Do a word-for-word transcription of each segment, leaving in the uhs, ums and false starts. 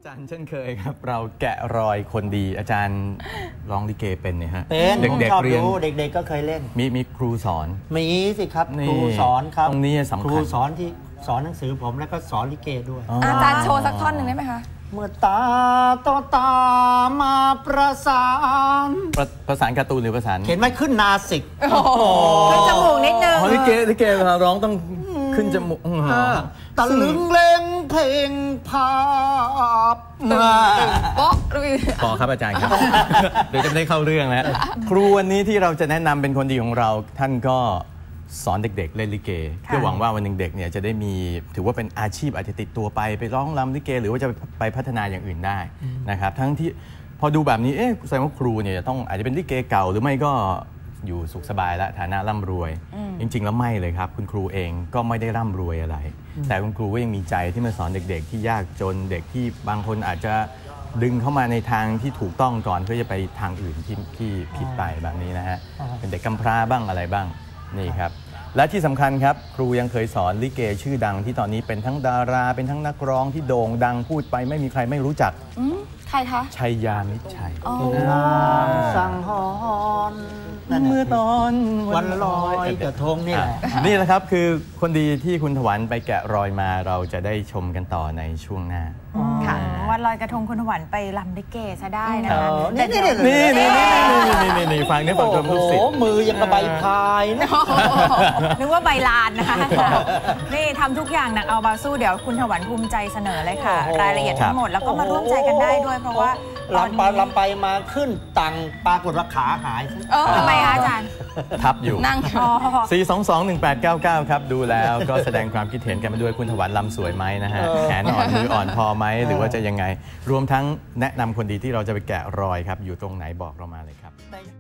อาจารย์เช่นเคยครับเราแกะรอยคนดีอาจารย์ร้องลิเกเป็นเนี่ยฮะเป็นเด็กๆเรียนเด็กๆก็เคยเล่นมีมีครูสอนมีสิครับครูสอนครับตรงนี้สำคัญครูสอนที่สอนหนังสือผมแล้วก็สอนลิเกด้วยอาจารย์โชว์สักท่อนหนึ่งได้ไหมคะเมื่อตาต่อตามาประสานประสานการ์ตูนหรือประสานเห็นไหมขึ้นนาสิกขึ้นจมูกนิดนึงลิเกลิเกเวลาร้องต้องขึ้นจมูกตะลึงเล่งเพลงภาพโป๊ะพอครับอาจารย์ครับเดี๋ยวจะไม่ได้เข้าเรื่องแล้วครูวันนี้ที่เราจะแนะนำเป็นคนดีของเราท่านก็สอนเด็กๆเล่นลิเกเพื่อหวังว่าวันหนึ่งเด็กเนี่ยจะได้มีถือว่าเป็นอาชีพอาจจะติดตัวไปไปร้องรำลิเกหรือว่าจะไปพัฒนาอย่างอื่นได้นะครับทั้งที่พอดูแบบนี้เอ๊ะแสดงว่าครูเนี่ยต้องอาจจะเป็นลิเกเก่าหรือไม่ก็อยู่สุขสบายและฐานะร่ำรวยจริงๆแล้วไม่เลยครับคุณครูเองก็ไม่ได้ร่ำรวยอะไรแต่คุณครูก็ยังมีใจที่มาสอนเด็กๆที่ยากจนเด็กที่บางคนอาจจะดึงเข้ามาในทางที่ถูกต้องก่อนเพื่อจะไปทางอื่นที่ที่ผิดไปแบบนี้นะฮะเป็นเด็กกำพร้าบ้างอะไรบ้างนี่ครับและที่สำคัญครับครูยังเคยสอนลิเกชื่อดังที่ตอนนี้เป็นทั้งดาราเป็นทั้งนักร้องที่โด่งดังพูดไปไม่มีใครไม่รู้จักใครคะชัยยามิตรชัยสังหรณ์เมื่อตอนวันลอยกระทงนี่แหละนี่แหละครับคือคนดีที่คุณถวันไปแกะรอยมาเราจะได้ชมกันต่อในช่วงหน้าค่ะวันลอยกระทงคุณถวันไปรำลิเกซะได้นะคะนี่นี่นี่นี่นี่นี่นี่ฟังนี่ฟังชมลูกศิษย์มือยังกระใบพายนะนึกว่าใบลานนะคะนี่ทำทุกอย่างหนักเอาบาสู้เดี๋ยวคุณถวันภูมิใจเสนอเลยค่ะรายละเอียดทั้งหมดแล้วก็มาร่วมใจกันได้ด้วยเพราะว่าลำไปลำไปมาขึ้นตังปรากฏว่าขาหายเออทำไมคะอาจารย์ทับอยู่นั่งสี่ สอง สอง หนึ่ง แปด เก้า เก้าครับดูแล้วก็แสดงความคิดเห็นกันมาด้วยคุณถวันลำสวยไหมนะฮะแขนอ่อนมืออ่อนพอไหมหรือว่าจะยังไงรวมทั้งแนะนำคนดีที่เราจะไปแกะรอยครับอยู่ตรงไหนบอกเรามาเลยครับ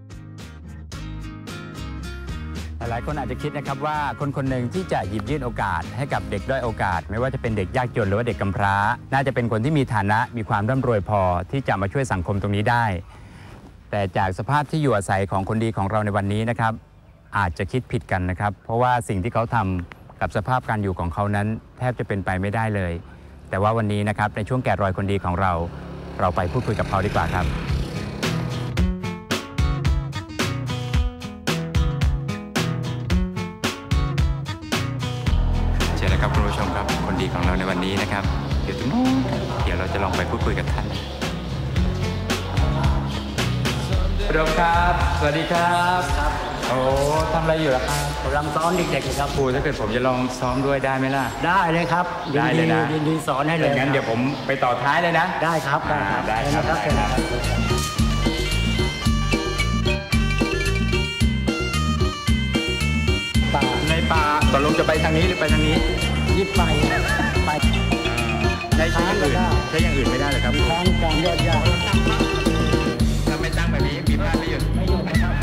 หลายคนอาจจะคิดนะครับว่าคนคนหนึ่งที่จะหยิบยื่นโอกาสให้กับเด็กด้อยโอกาสไม่ว่าจะเป็นเด็กยากจนหรือว่าเด็กกำพร้าน่าจะเป็นคนที่มีฐานะมีความร่ำรวยพอที่จะมาช่วยสังคมตรงนี้ได้แต่จากสภาพที่อยู่อาศัยของคนดีของเราในวันนี้นะครับอาจจะคิดผิดกันนะครับเพราะว่าสิ่งที่เขาทำกับสภาพการอยู่ของเขานั้นแทบจะเป็นไปไม่ได้เลยแต่ว่าวันนี้นะครับในช่วงแกะรอยคนดีของเราเราไปพูดคุยกับเขาดีกว่าครับเชิญนะครับคุณผู้ชมครับคนดีของเราในวันนี้นะครับอยู่ตรงนู้นเดี๋ยวเราจะลองไปพูดคุยกับท่านพร้อมครับสวัสดีครับโอ้ทำอะไรอยู่ล่ะครับกำลังซ้อมเด็กๆครับครูถ้าเกิดผมจะลองซ้อมด้วยได้ไหมล่ะได้เลยครับได้เลยนะยินดีสอนให้เลยงั้นเดี๋ยวผมไปต่อท้ายเลยนะได้ครับได้ครับได้ครับป่าในป่าตกลงจะไปทางนี้หรือไปทางนี้ยิบไปไปใช้ใช้อย่างอื่นใช้อย่างอื่นไม่ได้เลยครับทางการยอดยากถ้าไม่ตั้งแบบนี้มีพลาดไม่หยุดไม่หยุดนะครับ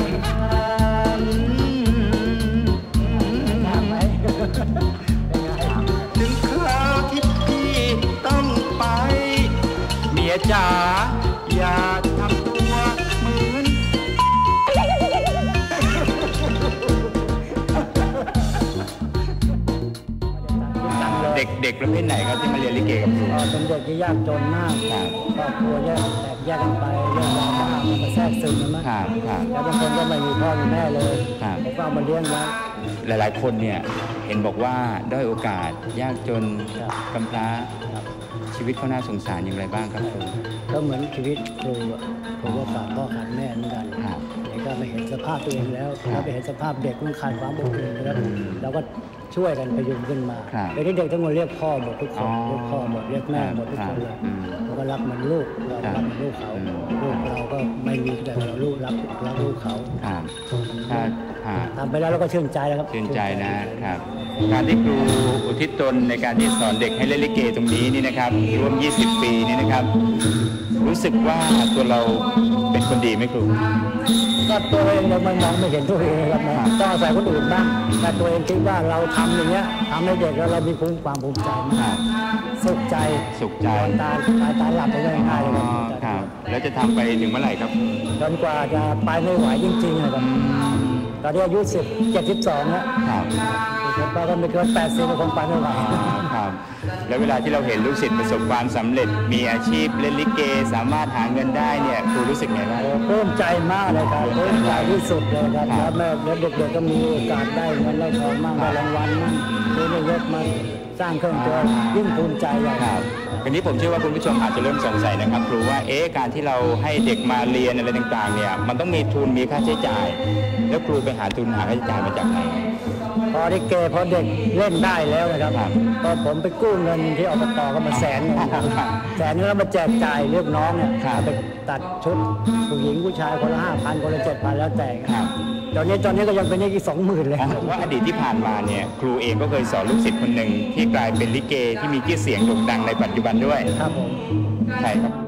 ถึงคราวที่พี่ต้องไปเมียจ๋าอย่าทำตัวเหมือนเด็กเด็กประเภทไหนครับที่มาเรียนลิเกกับครูเป็นเด็กที่ยากจนมากครอบครัวแยกแตกแยกกันไปเรื่องราวบ้างมาแทรกซึมกันมั้งแล้วบางคนก็ไม่มีพ่อมีแม่เลยผมก็เอามาเลี้ยงไว้หลายๆคนเนี่ยเห็นบอกว่าด้อยโอกาสยากจนกำพร้าชีวิตเขาน่าสงสารอย่างไรบ้างครับครูก็เหมือนชีวิตครูครูก็ขาดพ่อขาดแม่เหมือนกันเด็กก็ไม่เห็นสภาพตัวเองแล้วแล้วไปเห็นสภาพเด็กมันขาดความอบอุ่นแล้วเราก็ช่วยกันพยุงขึ้นมาเด็กที่เด็กทั้งหมดเรียกพ่อหมดทุกคนเรียกพ่อหมดเรียกแม่หมดทุกคนเลยเราก็รักเหมือนลูกเรารักเหมือนลูกเขาลูกเราก็ไม่มีแต่เราลูกรักรักลูกเขาทำไปแล้วเราก็ชื่นใจแล้วครับชื่นใจนะครับการที่ครูอุทิศตนในการที่สอนเด็กให้เล่นลิเกตรงนี้นี่นะครับรวมยี่สิบปีนี่นะครับรู้สึกว่าตัวเราเป็นคนดีไหมครูก็ตัวเองเราไม่มองไม่เห็นตัวเองครับนะต้องอาศัยคนอื่นบ้างแต่ตัวเองคิดว่าเราทำอย่างเงี้ยทำให้เด็กแล้วเรามีความภูมิใจมากสุขใจสุขใจตาตาตาหลับไปง่ายๆเลยครับแล้วจะทำไปถึงเมื่อไหร่ครับจนกว่าจะไปไม่ไหวจริงๆเลยครับตอนนี้อายุสิบเจ็ดสิบสองแล้วไปก็ไม่เกินแปดสิบก็คงไปไม่ไหวครับแล้วเวลาที่เราเห็นลูกศิษย์ประสบความสำเร็จมีอาชีพเล่นลิเกสามารถหาเงินได้เนี่ยครูรู้สึกไงบ้างโอ้ปลื้มใจมากเลยครับปลื้มใจที่สุดเลยครับแล้วแม่แล้วเด็กๆก็มีโอกาสได้เงินได้ทองมั่งได้รางวัลมั่งซื้อนายกมาสร้างเครื่องตัวยิ่งภูมิใจใหญ่ครับทีนี้ผมเชื่อว่าคุณผู้ชมอาจจะเริ่มสงสัยนะครับครูว่าเอ๊ะการที่เราให้เด็กมาเรียนอะไรต่างๆเนี่ยมันต้องมีทุนมีค่าใช้จ่าย แล้วครูไปหาทุนหาค่าใช้จ่ายมาจากไหนพอได้เกพอเด็กเล่นได้แล้วนะครับพอผมไปกู้เงินที่อบตก็มาแสนนึงแสนนึงแล้วมาแจกจ่ายเรียกน้องเนี่ยไปตัดชุดผู้หญิงผู้ชายคนละห้าพันคนละเจ็ดพันแล้วแต่ตอนนี้ตอนนี้ก็ยังเป็นอีกสองหมื่นเลยผมว่าอดีตที่ผ่านมาเนี่ยครูเองก็เคยสอนลูกศิษย์คนหนึ่งที่กลายเป็นลิเกที่มีชื่อเสียงโด่งดังในปัจจุบันด้วยครับผมใช่ครับ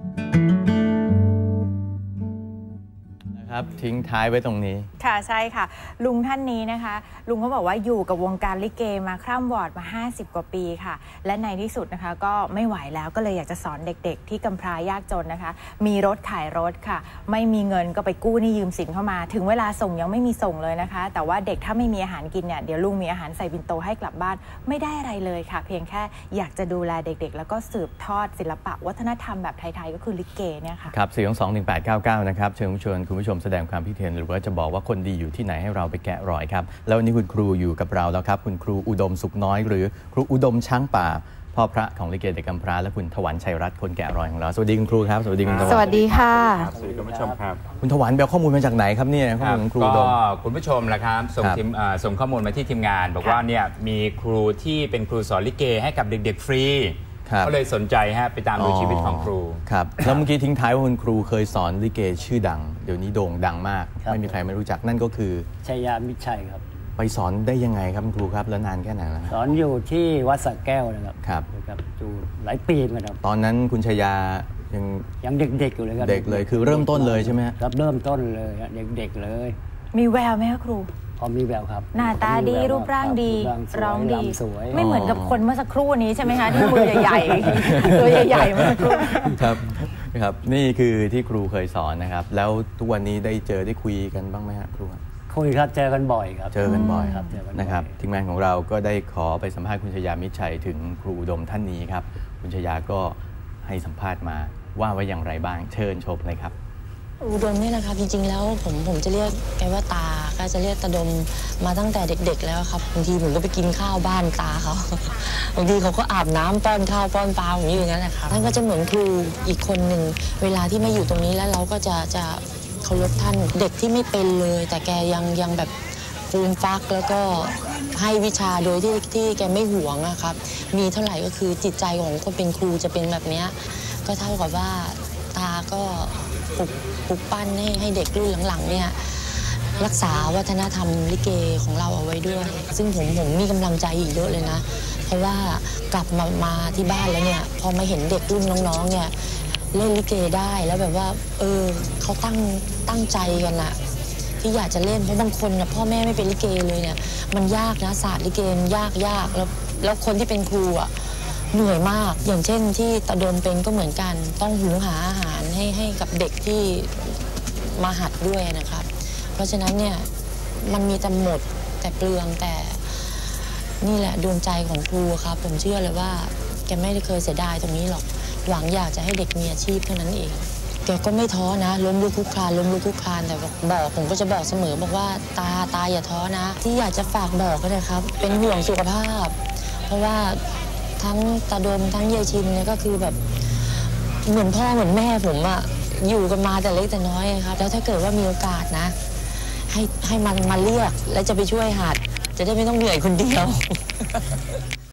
นะครับทิ้งท้ายไว้ตรงนี้ค่ะใช่ค่ะ ลุงท่านนี้นะคะ ลุงเขาบอกว่าอยู่กับวงการลิเกมาคร่ำวอดมาห้าสิบกว่าปีค่ะ และในที่สุดนะคะก็ไม่ไหวแล้วก็เลยอยากจะสอนเด็กๆ ที่กำพร้ายากจนนะคะ มีรถขายรถค่ะ ไม่มีเงินก็ไปกู้หนี้ยืมสินเข้ามา ถึงเวลาส่งยังไม่มีส่งเลยนะคะ แต่ว่าเด็กถ้าไม่มีอาหารกินเนี่ยเดี๋ยวลุงมีอาหารใส่บินโตให้กลับบ้านไม่ได้อะไรเลยค่ะ เพียงแค่อยากจะดูแลเด็กๆ แล้วก็สืบทอดศิลปะวัฒนธรรมแบบไทยๆก็คือลิเกเนี่ยค่ะครับสี่สองสองหนึ่งแปดเก้าเก้านะครับเชิญชวนคุณผู้ชมแสดงความคิดเห็นหรือว่าจะบอกว่าคนดีอยู่ที่ไหนให้เราไปแกะรอยครับแล้ววันนี้คุณครูอยู่กับเราแล้วครับคุณครูอุดมสุขน้อยหรือครูอุดมช้างป่าพ่อพระของลิเกเด็กกำพร้าและคุณถวันชัยรัตน์คนแกะรอยของเราสวัสดีคุณครูครับสวัสดีคุณถวันสวัสดีค่ะสวัสดีคุณผู้ชมครับคุณถวันไปเอาข้อมูลมาจากไหนครับเนี่ยข้อมูลของครูอุดก็มคุณผู้ชมละครับส่งครับทีมเอ่อส่งข้อมูลมาที่ทีมงาน บอกว่าเนี่ยมีครูที่เป็นครูสอนลิเกให้กับเด็กๆฟรีครับก็เลยสนใจฮะไปตามดูชีวิตของครูครับแล้วเมื่อกี้ทิ้งท้ายว่าคุณครูเคยสอนลิเกชื่อดังเดี๋ยวนี้โด่งดังมากครับไม่มีใครไม่รู้จักนั่นก็คือชัยยามิตรชัยครับไปสอนได้ยังไงครับคุณครูครับแล้วนานแค่ไหนแล้วสอนอยู่ที่วัดสระแก้วนะครับครับครับอยู่หลายปีเหมือนกันครับตอนนั้นคุณชยายังยังเด็กๆอยู่เลยครับเด็กเลยคือเริ่มต้นเลยใช่ไหมฮะครับเริ่มต้นเลยครับเด็กๆเลยมีแววไหมคะครูพอมีแววครับหน้าตาดีมีแววรูปร่างดีคบปร้องดีลำสวยไม่เหมือนกับคนเมื่อสักครู่นี้ใช่ไหมคะที่มือใหญ่ๆตัวใหญ่ๆเมื่อสักครู่ครับครับนี่คือที่ครูเคยสอนนะครับ แล้วทุกวันนี้ได้เจอได้คุยกันบ้างไหมครับครูครับคุยครับเจอกันบ่อยครับเจอกันบ่อยครับเจอกันบ่อยนะครับทีมงานของเราก็ได้ขอไปสัมภาษณ์คุณชยามิตรชัยถึงครูอุดมท่านนี้ครับคุณชยาก็ให้สัมภาษณ์มาว่าไว้อย่างไรบ้างเชิญชมเลยครับอุดมนี่แหละครับจริงๆแล้วผมผมจะเรียกแกว่าตาก็จะเรียกตาดมมาตั้งแต่เด็กๆแล้วครับบางทีผมก็ไปกินข้าวบ้านตาเขา บางทีเขาก็อาบน้ำป้อนข้าวป้อนปลาผมอยู่อย่างนั้นแหละครับท่านก็จะเหมือนครูอีกคนหนึ่งเวลาที่มาอยู่ตรงนี้แล้วเราก็จะจะเคารพท่านเด็กที่ไม่เป็นเลย แต่แกยังยังแบบฟูมฟักแล้วก็ให้วิชาโดยที่ที่แกไม่หวงอะครับมีเท่าไหร่ก็คือจิตใจของคนเป็นครูจะเป็นแบบนี้ก็เท่ากับว่าตาก็ปลุกปลุกปั้นให้ให้เด็กรุ่นหลังๆเนี่ยรักษาวัฒนธรรมลิเกของเราเอาไว้ด้วย ซึ่งผมผมมีกำลังใจอีกเยอะเลยนะเพราะว่ากลับมามาที่บ้านแล้วเนี่ยพอมาเห็นเด็กรุ่นน้องๆเนี่ยเล่นลิเกได้แล้วแบบว่าเออเขาตั้งตั้งใจกันอะที่อยากจะเล่นเพราะบางคนนะพ่อแม่ไม่เป็นลิเกเลยเนี่ยมันยากนะศาสตร์ลิเกมันยากยากแล้วแล้วคนที่เป็นครูอะเหนื่อยมากอย่างเช่นที่ตาดมเป็นก็เหมือนกันต้องหุงหาอาหารให้ให้กับเด็กที่มาหัดด้วยนะครับเพราะฉะนั้นเนี่ยมันมีแต่หมดแต่เปลืองแต่นี่แหละดวงใจของครูครับผมเชื่อเลยว่าแกไม่ได้เคยเสียดายตรงนี้หรอกหวังอยากจะให้เด็กมีอาชีพเท่านั้นเองแกก็ไม่ท้อนะล้มลุกคลุกคลานล้มลุกคลุกคลานแต่บอกผมก็จะบอกเสมอบอกว่าตาตาอย่าท้อนะที่อยากจะฝากบอกก็นะครับเป็นห่วงสุขภาพเพราะว่าทั้งตาดมทั้งยายชินเนี่ยก็คือแบบเหมือนพ่อเหมือนแม่ผมอะอยู่กันมาแต่เล็กแต่น้อยครับแล้วถ้าเกิดว่ามีโอกาสนะให้ให้มันมาเรียกแล้วจะไปช่วยหัดจะได้ไม่ต้องเหนื่อยคนเดียว